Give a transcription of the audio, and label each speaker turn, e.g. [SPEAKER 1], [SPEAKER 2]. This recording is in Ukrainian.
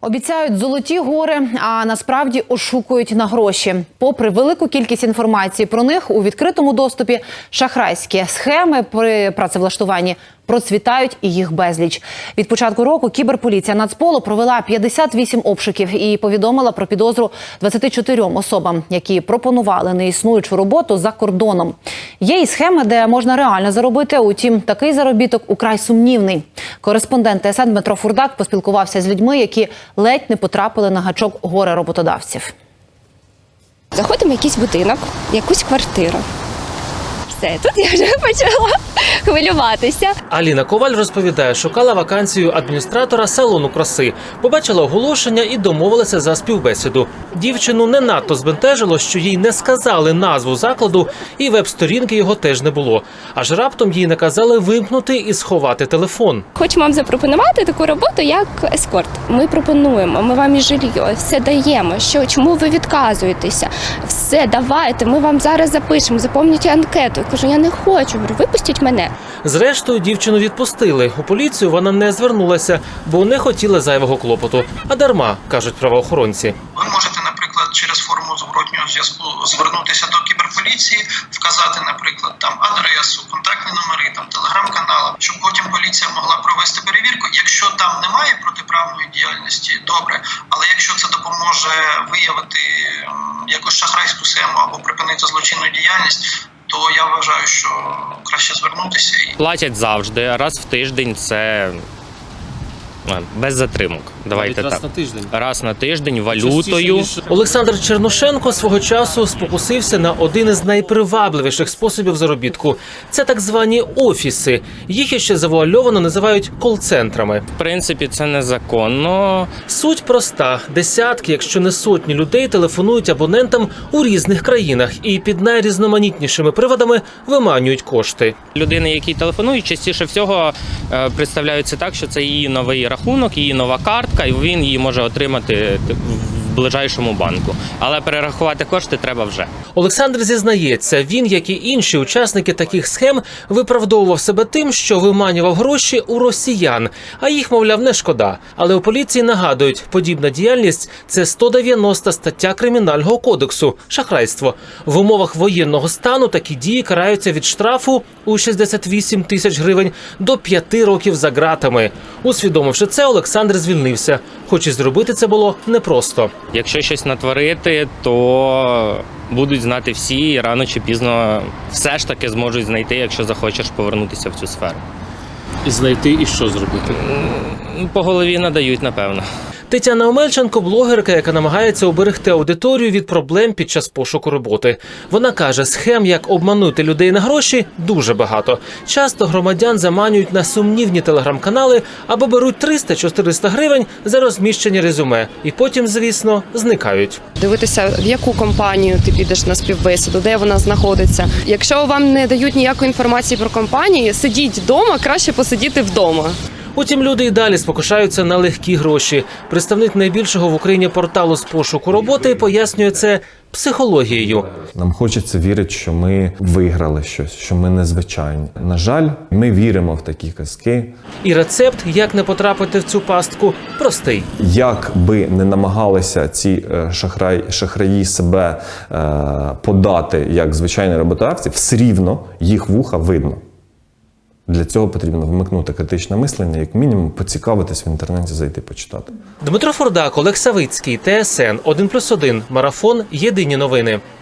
[SPEAKER 1] Обіцяють золоті гори, а насправді ошукують на гроші. Попри велику кількість інформації про них у відкритому доступі, шахрайські схеми при працевлаштуванні процвітають і їх безліч. Від початку року кіберполіція Нацполу провела 58 обшуків і повідомила про підозру 24 особам, які пропонували неіснуючу роботу за кордоном. Є і схеми, де можна реально заробити, утім, такий заробіток украй сумнівний. Кореспондент ТСН Дмитро Фурдак поспілкувався з людьми, які ледь не потрапили на гачок горе-роботодавців.
[SPEAKER 2] Заходимо в якийсь будинок, якусь квартиру. Все, тут я вже почала хвилюватися.
[SPEAKER 3] Аліна Коваль розповідає, шукала вакансію адміністратора салону краси. Побачила оголошення і домовилася за співбесіду. Дівчину не надто збентежило, що їй не сказали назву закладу, і веб-сторінки його теж не було. Аж раптом їй наказали вимкнути і сховати телефон.
[SPEAKER 2] Хочемо вам запропонувати таку роботу, як ескорт. Ми пропонуємо, ми вам і жилье, все даємо. Чому ви відказуєтеся? Все, давайте, ми вам зараз запишемо, заповніть анкету. Я кажу, я не хочу, випустіть мене.
[SPEAKER 3] Зрештою, дівчину відпустили. У поліцію вона не звернулася, бо не хотіла зайвого клопоту. А дарма, кажуть правоохоронці.
[SPEAKER 4] Ви можете, наприклад, через форму зворотнього зв'язку звернутися до кіберполіції, вказати, наприклад, там адресу, контактні номери, там телеграм-канали, щоб потім поліція могла провести перевірку. Якщо там немає протиправної діяльності, добре. Але якщо це допоможе виявити якусь шахрайську схему або припинити злочинну діяльність, то я вважаю, що краще звернутися.
[SPEAKER 5] Платять завжди, раз в тиждень, це без затримок. Давайте так. Раз на тиждень, валютою.
[SPEAKER 3] Олександр Черношенко свого часу спокусився на один із найпривабливіших способів заробітку. Це так звані офіси. Їх іще завуальовано називають кол-центрами.
[SPEAKER 5] В принципі, це незаконно.
[SPEAKER 3] Суть проста. Десятки, якщо не сотні людей телефонують абонентам у різних країнах і під найрізноманітнішими приводами виманюють кошти.
[SPEAKER 5] Людини, які телефонують, частіше всього представляються так, що це її новий рахунок, її нова картка, і він її може отримати в ближайшому банку. Але перерахувати кошти треба вже.
[SPEAKER 3] Олександр зізнається, він, як і інші учасники таких схем, виправдовував себе тим, що виманював гроші у росіян, а їх, мовляв, не шкода. Але у поліції нагадують, подібна діяльність – це 190 стаття Кримінального кодексу – шахрайство. В умовах воєнного стану такі дії караються від штрафу у 68 тисяч гривень до 5 років за ґратами. Усвідомивши це, Олександр звільнився. Хоч і зробити це було непросто.
[SPEAKER 5] Якщо щось натворити, то будуть знати всі, і рано чи пізно все ж таки зможуть знайти, якщо захочеш повернутися в цю сферу.
[SPEAKER 6] І знайти, і що зробити?
[SPEAKER 5] По голові надають, напевно.
[SPEAKER 3] Тетяна Омельченко – блогерка, яка намагається уберегти аудиторію від проблем під час пошуку роботи. Вона каже, схем, як обманути людей на гроші, дуже багато. Часто громадян заманюють на сумнівні телеграм-канали або беруть 300-400 гривень за розміщення резюме. І потім, звісно, зникають.
[SPEAKER 7] Дивитися, в яку компанію ти підеш на співбесіду, де вона знаходиться. Якщо вам не дають ніякої інформації про компанії, сидіть вдома, краще посидіти вдома.
[SPEAKER 3] Утім, люди і далі спокушаються на легкі гроші. Представник найбільшого в Україні порталу з пошуку роботи пояснює це психологією.
[SPEAKER 8] Нам хочеться вірити, що ми виграли щось, що ми незвичайні. На жаль, ми віримо в такі казки.
[SPEAKER 3] І рецепт, як не потрапити в цю пастку, простий.
[SPEAKER 8] Як би не намагалися ці шахраї себе подати як звичайні роботодавці, все рівно їх вуха видно. Для цього потрібно вмикнути критичне мислення, як мінімум поцікавитись в інтернеті, зайти почитати.
[SPEAKER 3] Дмитро Фурдак, Олег Савицький, ТСН 1+1, Марафон, Єдині новини.